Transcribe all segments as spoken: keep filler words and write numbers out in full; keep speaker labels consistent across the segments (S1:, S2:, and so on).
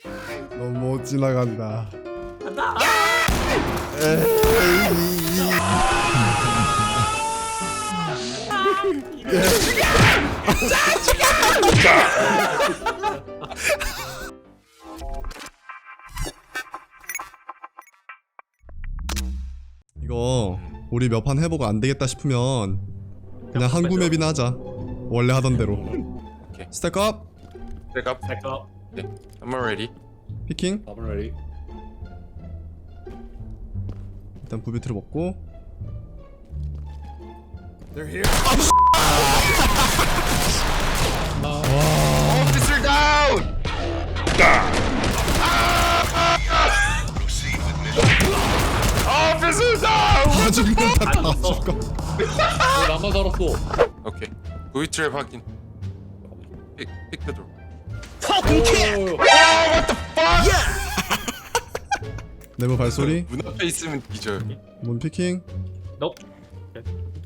S1: 너무 못 지나간다.
S2: 간다.
S1: 이거 우리 몇 판 해보고 안 되겠다 싶으면 그냥 항구 맵이나 하자. 원래 하던 대로.
S3: 오케이.
S1: 스택업,
S3: Pick up.
S2: 잠깐.
S3: 네. I'm ready.
S1: 피킹.
S4: I'm ready.
S1: 일단 부비트를 먹고.
S4: They're here.
S3: Officer down. Officer down.
S1: 다 죽는다. 다
S2: 죽었어.
S1: 죽어.
S4: 왜 나만 살았어?
S3: 오케이. V 트랩 확인. 픽, 픽 the door.
S4: 오,
S1: 네모 발소리.
S3: 문 앞에 있으면 뒤져요.
S1: 문 피킹.
S2: 너.
S4: 야,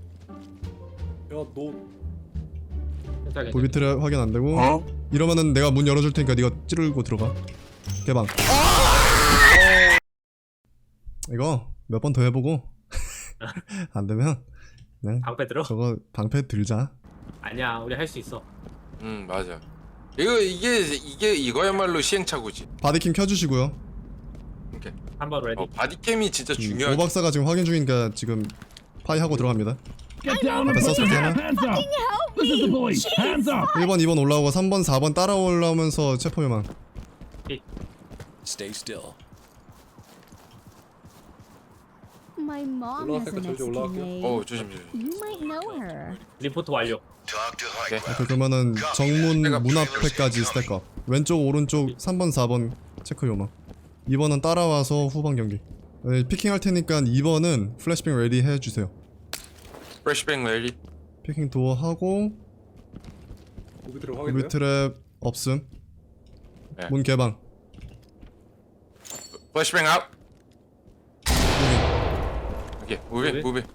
S4: 너
S2: 괜찮아.
S1: 부비트를 확인 안 되고. 이러면은 내가 문 열어줄 테니까 네가 찌르고 들어가. 개방. 이거 몇 번 더 해보고 안 되면 그냥
S2: 방패 들어?
S1: 저거 방패 들자.
S2: 아니야, 우리 할 수 있어.
S3: 음 맞아. 이거 이게 이게 이거야말로 시행착오지.
S1: 바디킴 켜주시고요.
S3: 오케이.
S2: 한번 레디.
S3: 어, 바디캠이 진짜 중요하지.
S1: 오 박사가 지금 확인 중이니까 지금 파이 하고 들어갑니다.
S5: Get down and
S1: That's
S5: put
S1: also
S5: your
S1: Diana.
S5: hands up. This is the police. Hands up.
S1: 일 번, 이 번 올라오고 삼 번, 사 번 따라 올라오면서 체포 요망.
S6: Stay still.
S7: My mom
S4: 올라갈
S7: has a
S4: 때까지
S7: Mexican
S4: 올라갈게요.
S7: name.
S3: 어 조심 조심.
S7: You might know her.
S2: 리포트 완료.
S3: 오케이.
S1: 그 그러면은 정문 문 앞에까지 스택업. 왼쪽, 오른쪽 삼 번, 사 번 체크 요망. 이 번은 따라와서 후방 경기. 네, 피킹 할 테니까 이 번은 플래시뱅 레디 해주세요.
S3: 프레시뱅 레디.
S1: 피킹 도어 하고
S4: 고비트를
S1: 우비
S4: 확인돼요?
S1: 트랩 없음.
S3: 네.
S1: 문 개방.
S3: 플래시뱅 아웃. 오케이. 무비
S2: 무비?
S3: 무비.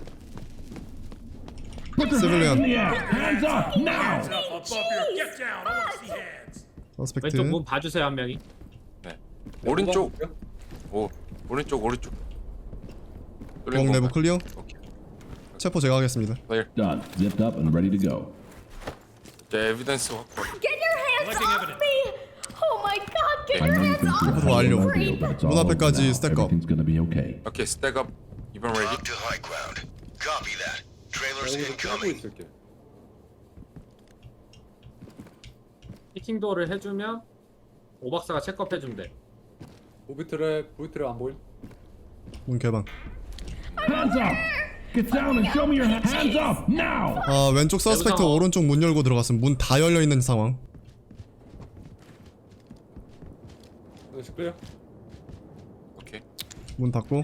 S5: Put your hands in
S1: Civilian.
S5: the air. Hands up now.
S1: 서스펙트.
S2: 왼쪽 문 봐주세요 한 명이.
S3: 네. 오른쪽. 오 오른쪽 오른쪽.
S1: 공 내부 클리어.
S3: 오케이.
S1: 체포 제가 하겠습니다.
S3: 클리어.
S6: Done. Zipped up and ready to go.
S3: 자 에비던스 확보.
S7: Get your hands off me! Oh my god, get
S6: I
S7: your
S6: know you
S7: hands
S6: think
S7: off
S6: you're
S1: 체포 완료.
S6: a deal, but it's all
S1: 문
S6: over
S1: 앞에까지
S6: now.
S1: 스택업.
S6: Everything's gonna be okay.
S3: 오케이 스택업. 이번 레디.
S8: Drop to high ground. Copy that. Trailers
S4: 여기서 끄고
S8: incoming.
S4: 있을게.
S2: 피킹 도어를 해주면 오 박사가 체크업 해주면 돼.
S4: 고비트를 고비트를 안 보임?
S1: 문 개방.
S5: Hands up. Get down and show me your hands. Hands up now.
S1: 아 왼쪽 서스펙트
S2: 내부 상황.
S1: 오른쪽 문 열고 들어갔음. 문 다 열려 있는 상황.
S4: 다시 클리어.
S3: 오케이.
S1: 문 닫고.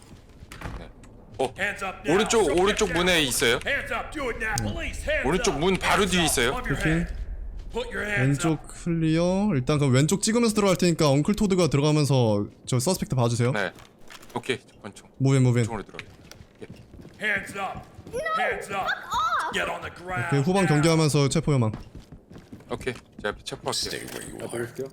S3: 어 오른쪽 오른쪽 문에 있어요. 오른쪽 문 바로 뒤에 있어요.
S1: 피킹. 왼쪽 클리어. 일단 그럼 왼쪽 찍으면서 들어갈 테니까 엉클 토드가 들어가면서 저 서스펙트 봐주세요.
S3: 네. 오케이 권총.
S1: 무빈 무빈.
S3: 총으로 들어가.
S9: Hands up! Hands up! Get on the ground!
S1: 그 후방 경기하면서 체포 요망.
S3: 오케이. 제가 체포할게요.
S4: 나 보고 있을게요.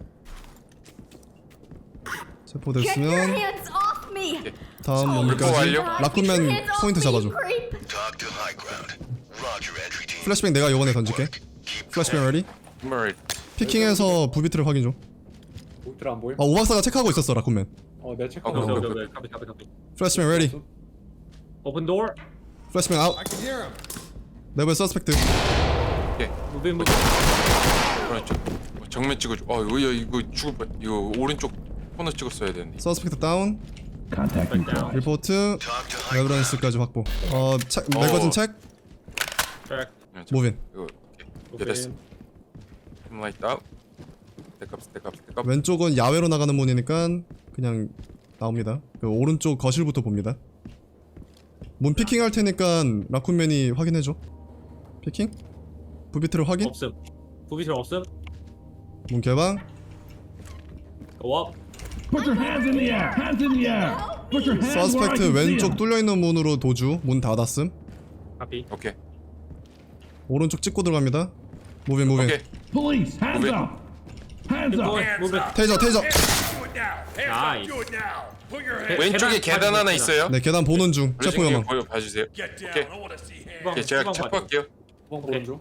S1: 체포
S7: Get your
S1: 됐으면
S7: hands off me!
S1: 다음
S3: 체포
S1: 문까지.
S3: 완료.
S7: Get your
S1: 라쿤맨
S7: hands off
S1: 포인트
S7: me,
S1: 잡아줘.
S7: creep!
S8: Talk to high ground. Roger, entry team.
S1: 플래시뱅 내가 요번에 던질게. 플래시뱅 레디.
S3: 한번 레디.
S1: 피킹해서 부비트를 확인 좀.
S4: 고비트를 안 보임?
S1: 아 오박사가 체크하고 있었어 라쿤맨.
S4: 어, 내 체크.
S3: 어,
S2: 오케이
S3: 어,
S2: 오케이
S3: 어,
S2: 오케이. 카피 카피 카피.
S1: 플래시뱅 레디.
S2: 오픈 도어.
S1: 플래시뱅 아웃. 내부의 서스펙트.
S2: 무빈 무빈.
S3: 오른쪽. 어, 정면 찍어줘. 어 이거 이거 죽을 뻔. 이거 오른쪽 코너 찍었어야 되는데.
S1: 서스펙트 다운.
S6: Contact neutralized.
S1: 리포트.
S8: Talk to high
S1: 에비던스까지 확보. 어 책, 매거진 책.
S2: 트랙.
S1: 무빈.
S3: 이거 오케이. 이제 됐어. 라이트 아웃. 스택업 스택업 스택업.
S1: 왼쪽은 야외로 나가는 문이니까 그냥 나옵니다. 그 오른쪽 거실부터 봅니다. 문 피킹 할 테니까 라쿤맨이 확인해줘. 피킹? 부비트를 확인?
S2: 없음. 부비틀 없음.
S1: 문 개방.
S2: 워.
S5: Put your hands in the air. Hands in the air. Put your hands where I
S1: 서스펙트
S5: can see
S1: 왼쪽
S5: 'em.
S1: 뚫려있는 문으로 도주. 문 닫았음.
S2: 카피.
S3: 오케이.
S1: 오른쪽 찍고 들어갑니다. 무빈 무빈.
S3: 오케이.
S5: Police, hands
S3: Move it.
S5: up. Hands up.
S9: Hands
S2: Move it.
S9: up.
S1: 테이저 테이저.
S9: Do it now. Hands
S2: Nice.
S9: up. Do it now. Put your hands.
S3: 왼쪽에
S2: 계단
S3: 계단 하나
S2: 계단.
S3: 있어요.
S1: 네 계단 보는 중. 체포
S3: 블레싱님
S1: 요망.
S3: 보여 봐주세요.
S9: Get down.
S3: 오케이.
S9: I want to see hands.
S3: 오케이 제가
S2: 후방
S3: 체포할게요.
S4: 후방
S2: 오케이.
S4: 보는 중.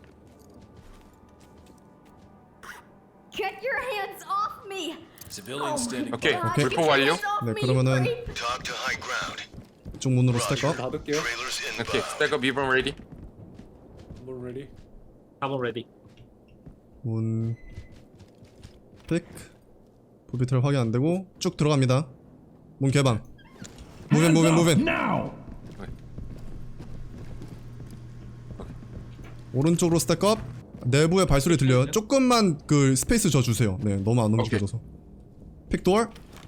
S7: Get your hands off me.
S9: Civilians standing.
S3: 오케이
S7: God,
S3: 불포
S7: get your
S3: 완료.
S7: hands off
S1: 네,
S7: me,
S1: 그러면은-
S7: creep.
S8: Talk to high ground.
S1: 이쪽 문으로 스택업.
S4: 닫을게요.
S8: Trailers
S3: 오케이
S8: inbound.
S3: 스택업 이번 레디.
S4: 문 레디.
S2: I'm ready.
S1: 문 픽. 부비트를 확인 안 되고 쭉 들어갑니다. 문 개방. 무벤
S5: Hands
S1: 무벤
S5: up
S1: 무벤.
S5: now.
S1: 오른쪽으로 스택업. 내부에 발소리 들려요. 조금만 그 스페이스 줘 주세요. 네, 너무 안 움직여져서. 픽도어.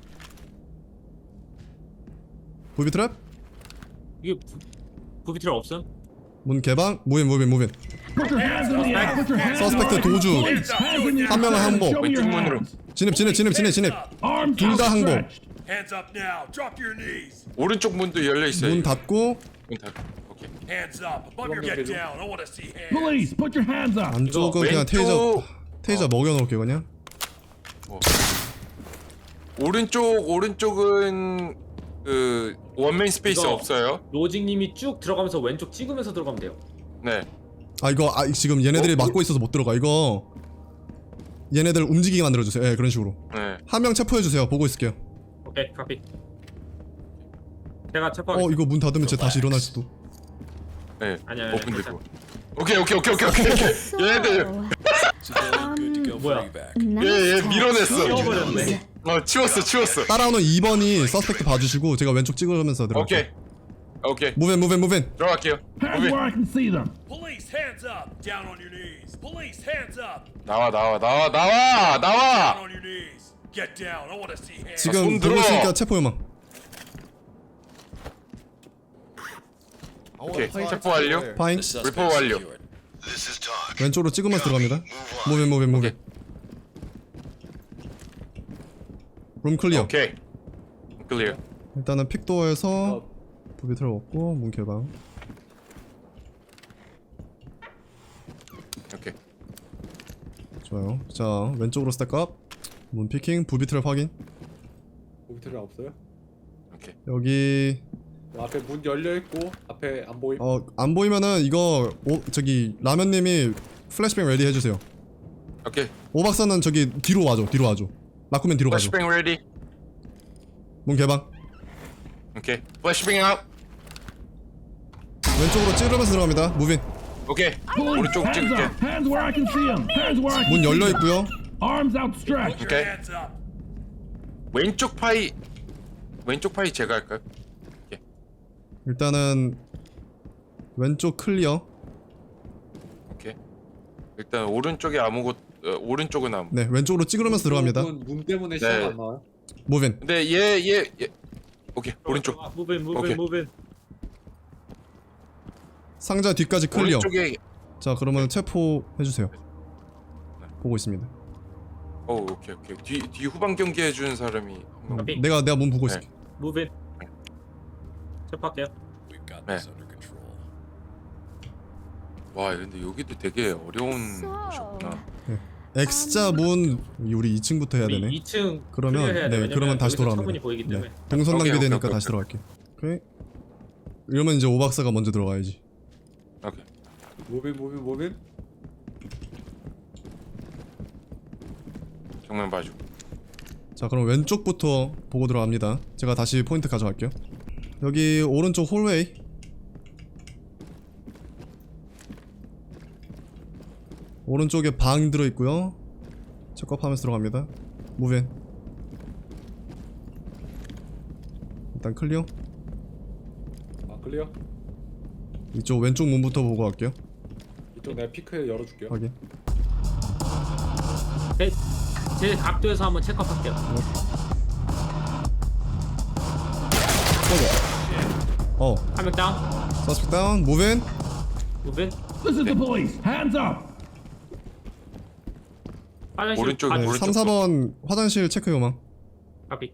S1: 부비 트랩.
S2: 이게 부비트를 없음?
S1: 문 개방. 무벤 무벤 무벤.
S5: Put your hands in the air. Put your hands
S1: 서스펙트
S5: up.
S1: 도주.
S5: Police, hands in the
S1: 한 명은
S5: air.
S1: 항복.
S5: Show me your
S3: 왼쪽 문으로.
S5: hands.
S1: 진입 진입 진입 진입 진입.
S5: Arms
S1: 둘 다 항복.
S5: outstretched.
S9: Hands up now. Drop your knees.
S3: 오른쪽 문도 열려 있어요.
S1: 문 닫고
S3: 문 닫고. 오케이.
S9: Hands up. Above your get down. I want to see hands.
S5: Police, put your hands up.
S1: 안쪽은 그냥
S3: 왼쪽.
S1: 테이저 테이저 먹여놓을게요 그냥.
S3: 오른쪽 오른쪽은 그 원맨 스페이스
S2: 이거-
S3: 없어요.
S2: 로직님이 쭉 들어가면서 왼쪽 찍으면서 들어가면 돼요.
S3: 네.
S1: 아 이거 아 지금 얘네들이
S3: 어,
S1: 막고 있어서 못 들어가. 이거 얘네들 움직이게 만들어주세요. 예, 그런 식으로.
S3: 네.
S1: 한 명 체포해주세요. 보고 있을게요.
S2: 오케이, 카피. 제가
S1: 어
S2: 체포하겠습니다.
S1: 이거 문 닫으면 쟤 다시 일어날 수도.
S3: 네.
S2: 아니야, 아니야,
S3: 오픈되고. 오케이 오케이 오케이 오케이 오케이. 얘네들
S9: Civilian good to go for
S2: 뭐야?
S9: evac.
S3: 얘얘 밀어냈어.
S2: 치워버렸네.
S3: 어 치웠어 치웠어.
S1: 따라오는 이 번이 서스펙트 봐주시고 제가 왼쪽 찍으면서 들어갈게요.
S3: 오케이. 오케이.
S1: 무벤 무벤 무벤.
S3: 들어갈게요.
S5: Hands
S3: 오케이.
S5: where I can see them.
S9: Police, hands up. Down on your knees. Police, hands up.
S3: 나와 나와 나와 나와
S9: Down
S3: 나와.
S9: on your knees. Get down. I want to see hands.
S3: 손
S1: 지금
S3: 들어.
S1: 보고 있으니까 체포 요망.
S3: 오케이. 체포 완료.
S1: 파인.
S3: 리포 완료.
S8: This is talk.
S1: 왼쪽으로 찍으면서 들어갑니다. 무벤 무벤 무벤. 룸 클리어.
S3: 오케이. 클리어.
S1: 일단은 픽도어에서
S4: 어,
S1: 부비트를 얻고 문 개방.
S3: 오케이.
S1: 좋아요. 자 왼쪽으로 스택업. 문 피킹. 부비트를 확인.
S4: 모비트를 없어요?
S3: 오케이.
S1: 여기
S4: 어, 앞에 문 열려 있고 앞에 안 보임.
S1: 어 안 보이면은 이거 오 저기 라면님이 플래시뱅 레디 해주세요.
S3: 오케이.
S1: 오 박사는 저기 뒤로 와줘. 뒤로 와줘. 라쿠맨 뒤로 가줘.
S3: 플래시뱅 레디.
S1: 문 개방.
S3: 오케이. 플래시뱅 아웃.
S1: 왼쪽으로 찌르면서 들어갑니다. 무빈.
S3: 오케이.
S5: Police,
S3: 오른쪽
S5: hands
S3: 찍을게.
S5: up. Hands where I can see them. Hands where I can
S1: 문
S5: see
S1: 열려
S5: them.
S1: 있고요.
S5: Arms outstretched.
S9: Put your
S3: Okay.
S9: hands up.
S3: 왼쪽 파이 왼쪽 파이 제가 할까요?
S1: 일단은 왼쪽 클리어.
S3: 오케이. 일단 오른쪽에 아무것 어, 오른쪽은 아무.
S1: 네 왼쪽으로 찌르면서 들어갑니다.
S4: 문, 문 때문에
S3: 네.
S4: 시야가 안 나와요.
S1: 무빈.
S3: 근데 얘 얘 얘. 오케이. 오른쪽.
S2: 무벤, 무벤,
S3: 오케이.
S2: 무벤.
S1: 상자 뒤까지 클리어.
S3: 오른쪽에
S1: 자 그러면 체포 해주세요. 보고 있습니다.
S3: 어 오케이 오케이. 뒤 뒤 후방 경기 해주는 사람이 한 명.
S2: 오케이.
S1: 내가 내가 문 보고 있을게.
S2: 무벤. 체포할게요.
S9: We've got
S3: 네.
S9: this under control.
S3: 와 근데 여기도 되게 어려운 곳이었구나.
S1: X자 문 우리 이 층부터 해야
S2: 우리
S1: 되네.
S2: 이 층
S1: 그러면
S2: 클리어해야 돼.
S1: 네
S2: 왜냐면
S1: 그러면 다시
S2: 여기서
S1: 돌아갑니다.
S2: 창문이 보이기 때문에.
S1: 네. 동선
S3: 오케이,
S1: 낭비되니까
S3: 오케이,
S1: 다시
S3: 오케이.
S1: 들어갈게. 오케이. 이러면 이제 오 박사가 먼저 들어가야지.
S3: 오케이.
S4: 모빈 모빈 모빈.
S3: 정면 봐줘.
S1: 자 그럼 왼쪽부터 보고 들어갑니다. 제가 다시 포인트 가져갈게요. 여기 오른쪽 홀웨이. 오른쪽에 방 들어있고요. 체크업하면서 들어갑니다. 무벤. 일단 클리어.
S4: 아 클리어.
S1: 이쪽 왼쪽 문부터 보고 갈게요.
S4: 이쪽 내가 피크 열어줄게요.
S1: 확인.
S2: 제, 제 각도에서 한번 체크할게요.
S1: 어
S2: 한 명 다운.
S1: 서스펙 다운. 무벤.
S2: 무벤.
S5: This is the police. Hands up.
S2: 화장실.
S3: 오른쪽,
S2: 아,
S1: 네,
S3: 오른쪽
S1: 삼, 사 번 화장실 체크 요망.
S2: 카피.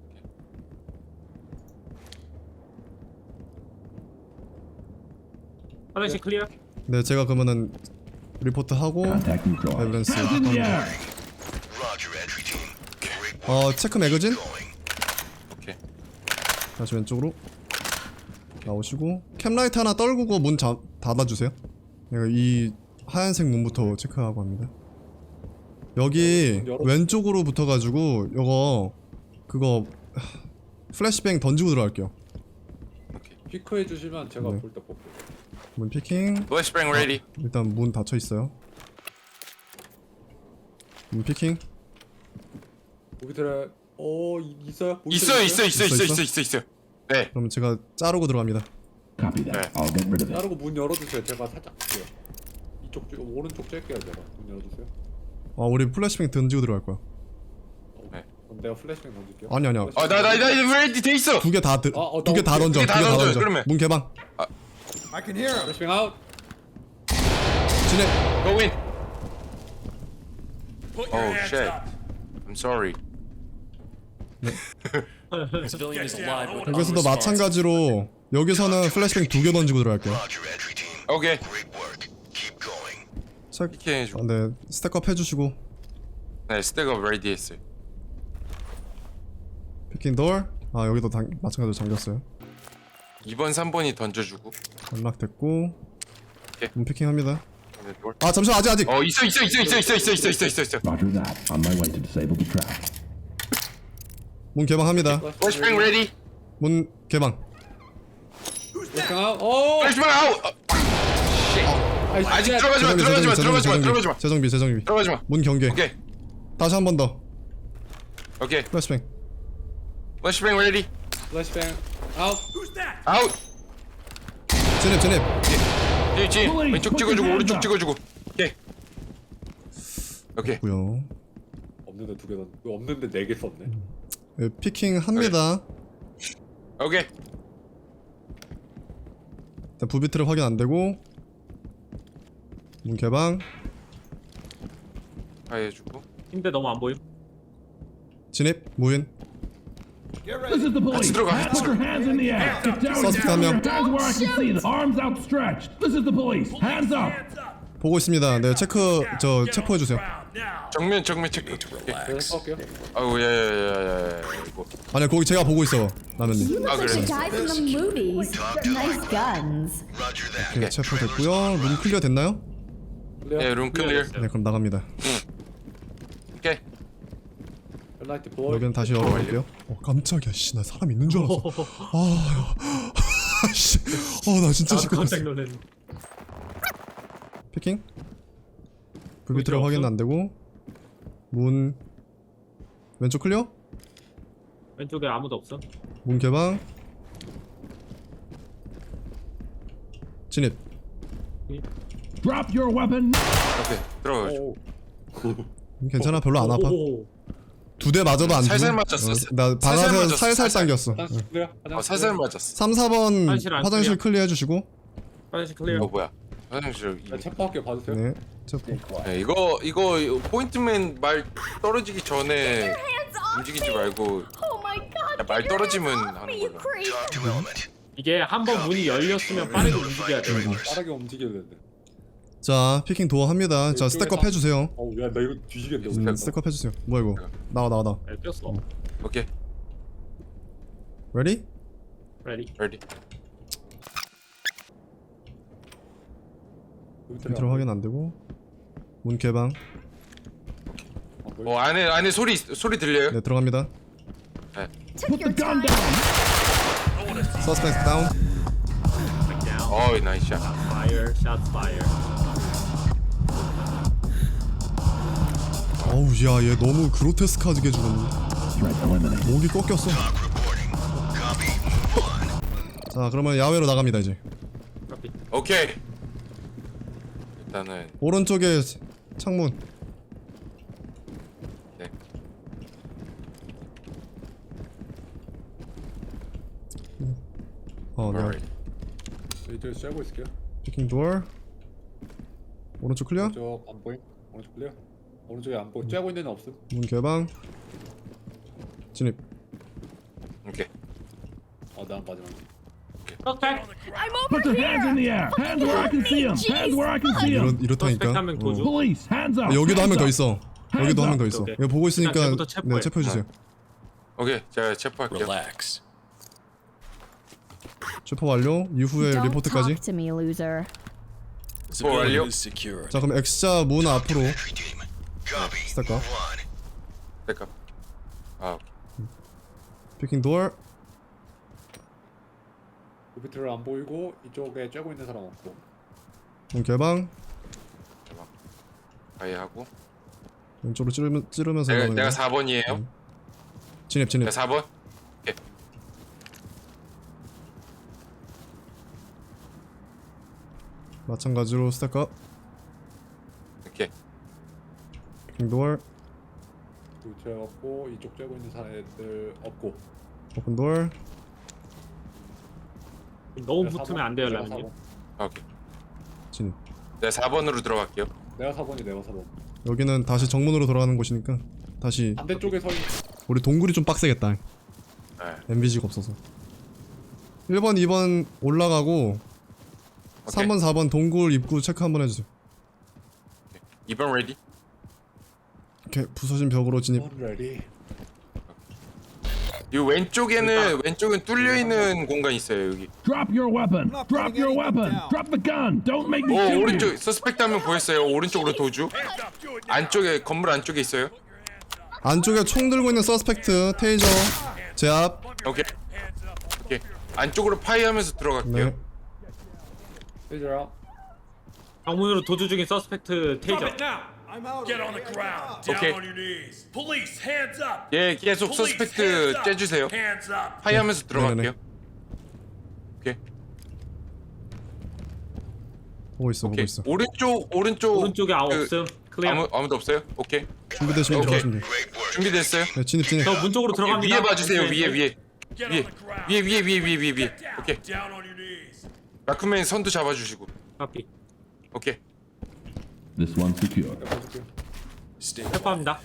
S2: 화장실 클리어.
S1: 네 제가 그러면은 리포트 하고
S6: Contact neutralized.
S1: 에비던스.
S5: Hands in the air.
S8: Roger, entry team. Great work.
S1: 어 체크 매거진.
S8: Going.
S3: 오케이.
S1: 다시 왼쪽으로 나오시고 캠라이트 하나 떨구고 문 자, 닫아주세요. 내가 이 하얀색 문부터 체크하고 합니다. 여기
S4: 열어-
S1: 왼쪽으로 붙어가지고 요거 그거 하, 플래시뱅 던지고 들어갈게요.
S4: 피크 해주시면 제가
S1: 네.
S4: 볼 때 뽑고.
S1: 문 피킹.
S3: 플래시뱅 레디.
S1: 일단 문 닫혀 있어요. 문 피킹.
S4: 무비트레 어 이- 있어요? 무비트레
S3: 있어요, 있어, 있어,
S1: 있어,
S3: 있어,
S1: 있어?
S3: 있어, 있어, 있어. 네.
S1: 그럼 제가 자르고 들어갑니다.
S6: Copy that. I'll get rid of it.
S4: 자르고 문 열어주세요. 제가 살짝 볼게요. 이쪽 쪽 오른쪽 쬐게요 제가. 문 열어주세요.
S1: 아 우리 플래시뱅 던지고 들어갈 거야.
S3: 네.
S4: 그럼 내가 플래시뱅 던질게요.
S1: 아니 아니야.
S3: 아, 나, 나, 나 레디 돼 있어.
S1: 두 개 다 드,
S4: 아, 어,
S1: 두 개 다
S4: 나
S1: 던져.
S3: 두개
S1: 두
S3: 다
S1: 개 다
S3: 던져요,
S1: 던져.
S3: 그러면.
S1: 문 개방.
S9: I can hear him.
S4: 플래시뱅 아웃.
S1: 진입.
S3: Go in.
S9: Put your
S3: Oh
S9: hands
S3: shit.
S9: up.
S3: I'm sorry.
S10: Civilian is alive with
S1: 여기서도 마찬가지로 여기서는 플래시뱅 두 개 던지고 들어갈게요.
S8: Roger, entry team.
S3: 오케이.
S8: Great work. Keep going.
S1: 책.
S3: 피킹 해주고.
S1: 아, 네 스택업 해주시고
S3: 네, 스택업 레디 했어요.
S1: 피킹 돌. 아 여기도 당, 마찬가지로 잠겼어요.
S3: 이 번, 삼 번이 던져주고.
S1: 연락됐고.
S3: 오케이.
S1: 문 피킹합니다.
S3: 네, 돌.
S1: 아 잠시만 아직 아직.
S3: 어, 있어, 있어, 있어, 있어, 있어, 있어, 있어, 있어, 있어, 있어.
S6: Roger that. On my way to disable the trap.
S1: 문 개방합니다.
S3: 플래시뱅 레디.
S1: 문 개방.
S4: 플래시뱅 아웃. 어.
S3: 플래시뱅 아웃.
S4: 아이,
S3: 아직
S4: 씨.
S3: 들어가지 마, 들어가지 마, 들어가지 마, 들어가지 마.
S1: 재정비 재정비.
S3: 들어가지 마.
S1: 문 경계.
S3: 오케이,
S1: 다시 한 번 더.
S3: 오케이.
S1: 플래시뱅.
S3: 플래시뱅 레디.
S4: 플래시뱅 아웃.
S9: Who's that?
S3: 아웃.
S1: 진입 진입.
S3: 뒤, 뒤.
S5: Police,
S3: 왼쪽
S5: put your
S3: 찍어주고,
S5: hands
S3: 오른쪽
S5: up.
S3: 찍어주고. 오케이. 오케이.
S1: 고요.
S4: 없는데 두 개 던. 없는데 네 개 썼네.
S1: 네, 피킹 합니다.
S3: 오케이.
S1: 일단 부비트를 확인 안 되고. 문 개방.
S3: 다 해주고.
S2: 힘대 너무 안 보임.
S1: 진입. 무인.
S5: This is the police.
S3: 들어가, 같이
S5: Put your hands in the air. Get down and
S1: Suspect 한
S5: show
S1: 명.
S5: your hands where I can see them. Arms outstretched. This is the police. Hands up.
S9: Hands up.
S1: 보고 있습니다. 네 체크 저 체포해 주세요.
S9: Ground now.
S3: 정면, 정면 체크. 오케이.
S4: 제가 쏠게요.
S3: 아우, 야야야야야. 이거.
S1: 아니 거기 제가 보고 있어. 라면님.
S3: 아,
S7: Like
S3: 그래.
S7: the guy from the movies. Nice guns.
S8: Roger that.
S1: 네, 체포됐고요. 문 클리어 됐나요?
S4: 클리어.
S3: 네, 룸 클리어.
S1: 네 그럼 나갑니다.
S3: 오케이.
S4: 헬라이트 보이.
S1: 여기는 다시 열어볼게요. 어 깜짝이야. 씨 나 사람 있는 줄 알았어. 아, 씨. 어나 진짜
S2: 나도 깜짝
S1: 시끄럽어.
S2: 놀랐네.
S1: 피킹. 불비트를 확인 안 되고. 문 왼쪽 클리어.
S2: 왼쪽에 아무도 없어.
S1: 문 개방. 진입.
S5: Drop your weapon.
S3: 오케이. 들어가.
S4: 오.
S1: 괜찮아 별로 안 아파.
S2: 오.
S1: 두 대 맞아도 안
S3: 살살
S1: 죽음.
S3: 맞았어.
S1: 어, 나
S3: 살살
S1: 방아쇠
S3: 맞았어,
S1: 살살
S3: 살살.
S1: 당겼어.
S4: 화장실 클리어.
S3: 어, 살살 맞았어.
S1: 삼, 사 번
S2: 화장실 안
S1: 화장실
S2: 클리어.
S1: 클리어 해주시고.
S2: 화장실 클리어.
S3: 어, 뭐야? 화장실.
S4: 네, 체포할게요. 봐주세요.
S1: 네. 체포.
S3: 네, 이거 이거 이거 포인트맨 말 떨어지기 전에 움직이지 말고
S7: Oh my god.
S3: 야, 말
S7: get your
S3: 떨어지면
S7: hands off
S3: 하는
S7: me, you
S3: 걸로.
S7: creep.
S8: Talk to element.
S2: 이게 한 번 문이 열렸으면 빠르게 움직여야 돼.
S4: 빠르게 움직여야 되는데.
S1: 자 피킹 도어 합니다. 자 스택업 해주세요.
S4: 어우 야 나 이거 뒤지겠네.
S1: 음, 스택업 해주세요. 뭐야 이거? 나와 나와 나와.
S2: 네, 꼈어.
S3: 오케이.
S1: Ready?
S2: 레디.
S3: 레디.
S1: 밑으로 확인 안 되고. 문 개방.
S3: 어, 안에 안에 소리 소리 들려요?
S1: 네 들어갑니다.
S5: Put the gun down.
S1: 서스펜스 다운.
S2: down.
S3: 어이, 나이스 샷.
S2: Fire. Shots fire.
S1: 어우 야 얘 너무 그로테스크하게 죽었네.
S6: Threat eliminated.
S1: 목이 꺾였어. 자 그러면 야외로 나갑니다 이제.
S3: 오케이. 일단은
S1: 오른쪽에 창문.
S3: 네.
S1: 어 네.
S3: alright.
S4: 이제 쐬고 있을게요.
S1: 피킹 도어. 오른쪽 클리어.
S4: 오른쪽 안 보임. 오른쪽 클리어. 오른쪽에 안 보임. 쬐고 있는 데는 없음.
S1: 문 개방. 진입.
S3: 오케이.
S4: 어난 마지막.
S2: Suspect.
S7: I'm over
S5: Put your
S7: here.
S5: hands in the air. Hands where I can see them. Hands where I can see
S1: 이렇
S5: them.
S1: 이렇다니까.
S2: Suspect 한명 도주.
S1: 어.
S5: Police, hands up.
S1: 여기도 한 명
S5: hands
S1: 더
S5: up.
S1: 있어. 여기도 한 명 더 있어.
S2: 오케이.
S1: 이거 보고 있으니까
S2: 일단 쟤부터 체포해.
S1: 네, 체포해 주세요.
S3: 오케이, 제가 체포할게요.
S10: Relax.
S1: 체포 완료. 이후에
S7: Don't
S1: 리포트까지.
S7: talk to me, loser.
S10: Civilian
S3: 완료.
S10: is secured.
S1: 자, 그럼 X자 문 앞으로
S8: Entry team. Copy.
S1: 스타카.
S8: Move on.
S3: 잠깐. 아, 오케이.
S1: 피킹 도어.
S4: 부비트를 안 보이고 이쪽에 쬐고 있는 사람 없고.
S1: 문 개방.
S3: 아예 하고.
S1: 왼쪽으로 찌르면, 찌르면서
S3: 내가
S1: 가는
S3: 내가
S1: 거.
S3: 사 번이에요.
S1: 음. 진입 진입.
S3: 내가 사 번.
S1: 마찬가지로 스타카.
S3: 오케이.
S1: 피킹 도어.
S4: 부비트 없고 이쪽 쬐고 있는 사람들 없고.
S1: 오픈 도어.
S2: 너무
S4: 내가
S2: 붙으면
S4: 사 번,
S2: 안 돼요,
S4: 내가
S2: 라면님.
S4: 사 번.
S3: 아, 오케이.
S1: 진입.
S3: 내가 사 번으로 들어갈게요.
S4: 내가 사 번이 내가 사 번.
S1: 여기는 다시 정문으로 돌아가는 곳이니까 다시
S4: 반대쪽에 서 있는
S1: 우리 동굴이 좀 빡세겠다.
S3: 네.
S1: 엠비지가 없어서. 일 번, 이 번 올라가고 삼 번, 사 번 동굴 입구 체크 한번 해주세요.
S3: 이 번 레디.
S1: 이렇게 부서진 벽으로 진입.
S4: 레디.
S3: 이 왼쪽에는 왼쪽은 뚫려 있는 공간 있어요 여기.
S5: Drop your weapon. Drop your weapon. Drop the gun. Don't make me
S3: 오
S5: shoot you.
S3: 오른쪽 서스펙트 한 명 보였어요. 오른쪽으로 도주. 안쪽에 건물 안쪽에 있어요.
S1: 안쪽에 총 들고 있는 서스펙트 테이저 제압.
S3: 오케이. 오케이. 안쪽으로 파이하면서 들어갈게요.
S1: 네.
S4: 페이저야.
S2: 정문으로 도주 중인 서스펙트
S9: Drop
S2: 테이저.
S9: it now. Get on the ground. Down
S3: Okay.
S9: on your knees. Police, hands up.
S3: 예, 계속
S9: Police,
S3: 서스펙트
S9: hands up.
S3: 째주세요.
S9: Hands up.
S3: 파이하면서 들어갈게요.
S1: 네네네.
S3: 오케이.
S1: 보고 있어, 보고
S3: 오케이.
S1: 있어.
S3: 오른쪽 오른쪽
S2: 오른쪽에 아무
S3: 그,
S2: 없음. 클리어.
S3: 아무 아무도 없어요? 오케이.
S1: 준비되시면
S3: 오케이.
S1: 들어가시면 돼요.
S8: Great work.
S3: 준비됐어요?
S1: 네, 진입 진입.
S2: 저 문 쪽으로 들어갑니다.
S3: 위에 봐주세요.
S2: 네,
S3: 위에
S2: 네.
S3: 위에
S9: Get
S3: 위에
S9: on the ground.
S3: 위에 위에 위에 위에 위에 위에.
S9: Get down.
S3: 오케이.
S9: Down on your knees.
S3: 라크맨 선두 잡아주시고.
S2: 카피.
S3: 오케이.
S6: This one's secure.
S4: 내가 봐줄게.
S2: 체포합니다.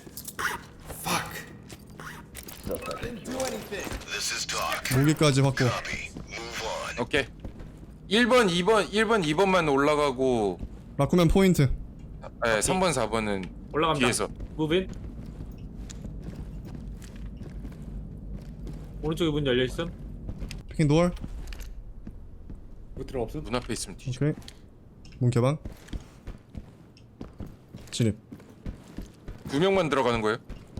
S8: This is talk.
S1: 무기까지 확보.
S8: Copy. Move on.
S3: 오케이. 일 번, 이 번, 일 번, 이 번만 올라가고
S1: 라쿠맨 포인트.
S3: 예, 삼 번, 사 번은
S2: 올라갑니다.
S3: 뒤에서.
S2: 무빈. 오른쪽에 문 열려 있음.
S1: 피킹 도어.
S4: 부비트 없음.
S3: 문 앞에 있으면 뒤져.
S1: 오케이. 문 개방. 진입.
S3: 두 명만 들어가는 거예요?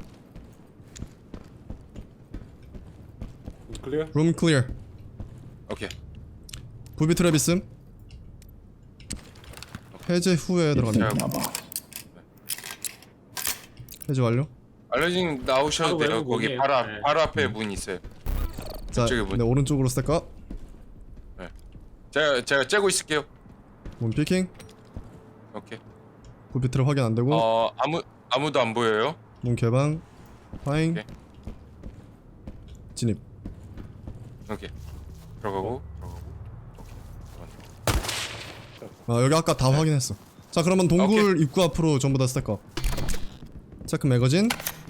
S4: 클리어.
S1: 룸 클리어.
S3: 오케이.
S1: 부비 트랩 있음. 해제 후에
S6: It's
S1: 들어갑니다.
S6: safe now, boss.
S1: 해제 완료.
S3: 알러징 나오셔도
S2: 바로
S3: 돼요.
S2: 외부
S3: 거기
S2: 문이에요.
S3: 바로 앞,
S2: 네.
S3: 바로 앞에 문 있어요.
S1: 자,
S3: 이쪽에 문.
S1: 네, 오른쪽으로 스택업.
S3: 네. 제가 제가 째고 있을게요.
S1: 문 피킹.
S3: 오케이.
S1: 부비 트랩 확인 안 되고.
S3: 어 아무 아무도 안 보여요.
S1: 문 개방. 파잉.
S3: 오케이.
S1: 진입.
S3: 오케이. 들어가고 들어가고.
S1: 아, 여기 아까 다 확인했어. 자, 그러면 동굴 입구 앞으로 전부 다 스택업. 체크 매거진.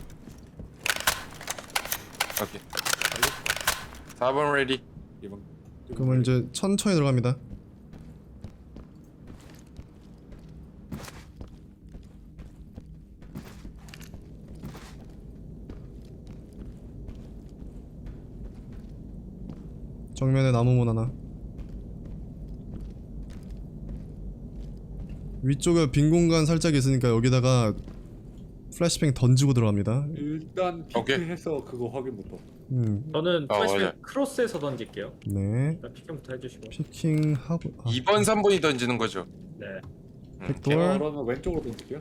S3: 오케이. 사 번 레디.
S4: 이번.
S1: 그러면 이제 천천히 들어갑니다. 정면에 나무문 하나. 위쪽에 빈 공간 살짝 있으니까 여기다가 플래시뱅 던지고 들어갑니다.
S4: 일단
S3: 오케이.
S4: 피크해서 그거 확인부터.
S1: 음,
S2: 저는
S3: 아,
S2: 플래시백
S3: 맞아요.
S2: 크로스에서 던질게요.
S1: 네.
S2: 일단 피킹부터 해주시고.
S1: 피킹하고. 아,
S3: 이 번, 삼 번이 던지는 거죠.
S2: 네.
S1: 백돌.
S4: 그러면 왼쪽으로 던질게요.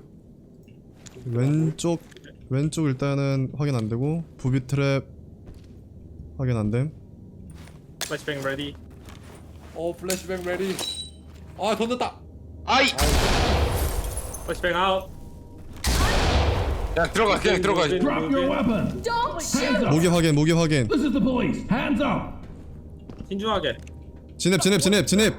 S1: 왼쪽 왼쪽 일단은 확인 안 되고 부비 트랩 확인 안 됨.
S2: 플래시뱅 레디.
S4: 어 플래시뱅 레디. 아 던졌다.
S3: 아이.
S2: 플래시뱅 아웃.
S3: 그냥 들어가. 그냥 들어가.
S5: Drop your weapon.
S7: Don't shoot!
S5: Hands up.
S1: 무기 확인 무기 확인.
S5: This is the police. Hands up.
S2: 신중하게.
S1: 진입 진입 진입 진입.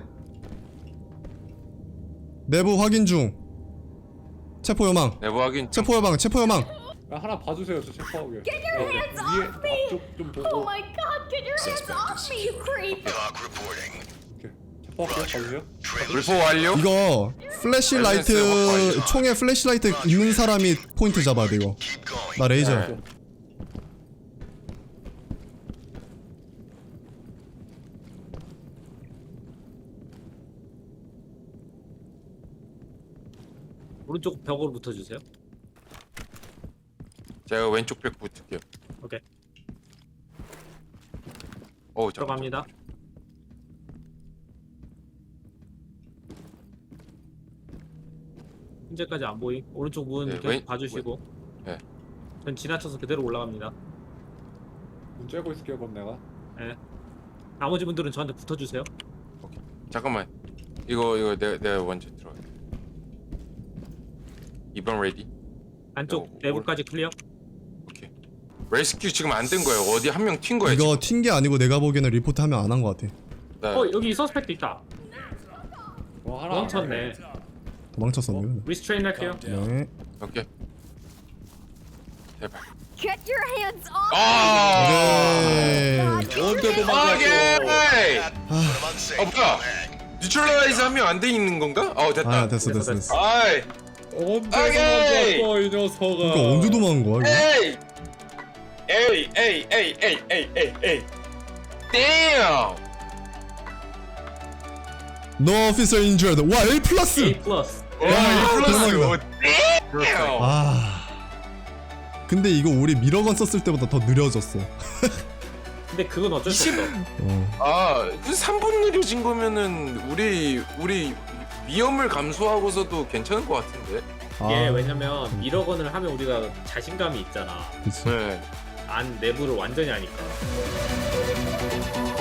S1: 내부 확인 중. 체포 요망.
S3: 내부 확인.
S1: 체포 요망. 체포 요망.
S4: 야, 하나 봐주세요 저 체크하게.
S7: Get your hands
S4: 위에
S7: off me!
S4: 앞쪽 좀
S7: Oh
S4: 보고.
S7: my god, get your hands off me, you creep!
S8: Talk reporting.
S4: 오케이. 퍼할게요. 가주세요.
S3: 불포 완료.
S1: 이거 플래시라이트 총에 플래시라이트 있는 사람이 포인트 잡아야 돼 이거.
S8: Keep going.
S1: 나 레이저.
S3: 네.
S2: 오른쪽 벽으로 붙어주세요.
S3: 제가 왼쪽 벽 붙을게요.
S2: 오케이.
S3: 어, 잠깐.
S2: 들어갑니다. 현재까지 안 보임. 오른쪽 문
S3: 네,
S2: 계속
S3: 왼-
S2: 봐주시고.
S3: 네.
S2: 전 지나쳐서 그대로 올라갑니다.
S4: 문 쬐고 있을게요. 그럼 내가.
S2: 네. 나머지 분들은 저한테 붙어주세요.
S3: 잠깐만. 이거 이거 내가 내가 먼저 들어가. 이번 레디.
S2: 안쪽
S3: 어,
S2: 내부까지 클리어.
S3: 오케이. 레스큐 지금 안 된 거예요. 어디 한 명 튄 거예요.
S1: 이거 튄 게 아니고 내가 보기에는 리포트 하면 안 한 것 같아.
S3: 나
S2: 어 여기 서스펙트 있다.
S4: 어 하나.
S2: 도망쳤네.
S1: 도망쳤었네.
S2: 리스트레인 할게요.
S1: 네.
S3: 오케이. 제발.
S7: Get your hands off
S3: 아!
S1: 오케이.
S4: 언제 도망갔어?
S3: 오케이.
S8: I'm unsafe.
S3: 어 뭐야? 뉴트럴라이즈 하면 안 돼 있는 건가? 어 됐다.
S1: 아 됐어 됐어 됐어.
S3: 아이.
S4: 언제
S3: 오케이.
S4: 도망갔어 이 녀석아.
S1: 그러니까 언제 도망간 거야 이거?
S3: 에이. 에이 에이 에이 에이 에이 에이 에이. damn.
S1: No officer injured. 와 A 플러스.
S2: A 플러스.
S3: 와,
S1: 야,
S3: 이 플러스.
S1: 대박이다.
S3: damn.
S1: 아. 근데 이거 우리 미러건 썼을 때보다 더 느려졌어.
S2: 근데 그건 어쩔 수
S3: 이십
S2: 없어.
S1: 어.
S3: 아, 그 삼 분 느려진 거면은 우리 우리 위험을 감수하고서도 괜찮을 것 같은데.
S2: 이게
S1: 아,
S2: 왜냐면 미러건을 하면 우리가 자신감이 있잖아.
S1: 그치.
S3: 네.
S2: 안 내부를 완전히 아니까.